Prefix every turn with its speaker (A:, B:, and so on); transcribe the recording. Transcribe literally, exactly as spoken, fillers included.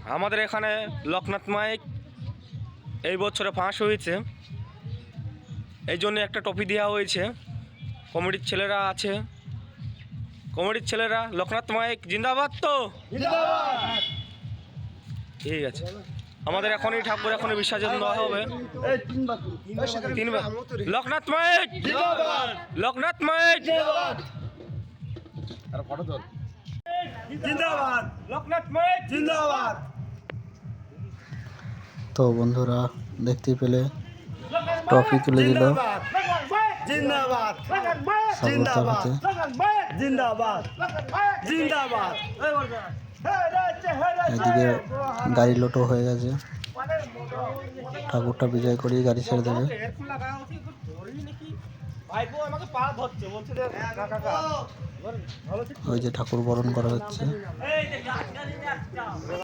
A: আমাদের এখানে লোকনাথ মাইক এই বছরে ফাঁস হয়েছে, এই জন্য একটা ট্রফি দেওয়া হয়েছে। কমিটির ছেলেরা আছে, কমিটির ছেলেরা লোকনাথ মাইক জিন্দাবাদ। তো ঠিক আছে, আমাদের এখনই ঠাকুর এখনই বিসর্জন দেওয়া হবে। তিনবার লোকনাথ মাইক, লোকনাথ মাইক জিন্দাবাদ, লোকনাথ মাইক জিন্দাবাদ।
B: তো বন্ধুরা দেখতে পেলে ট্রফি তুলে দিল
A: জিন্দাবাদ,
B: জিন্দাবাদ
A: জিন্দাবাদ, জিন্দাবাদ।
B: এদিকে গাড়ি লোটো হয়ে গেছে, ঠাকুরটা বিজয় করেই গাড়ি ছেড়ে দেবে। ওই যে ঠাকুর বরণ করা হচ্ছে।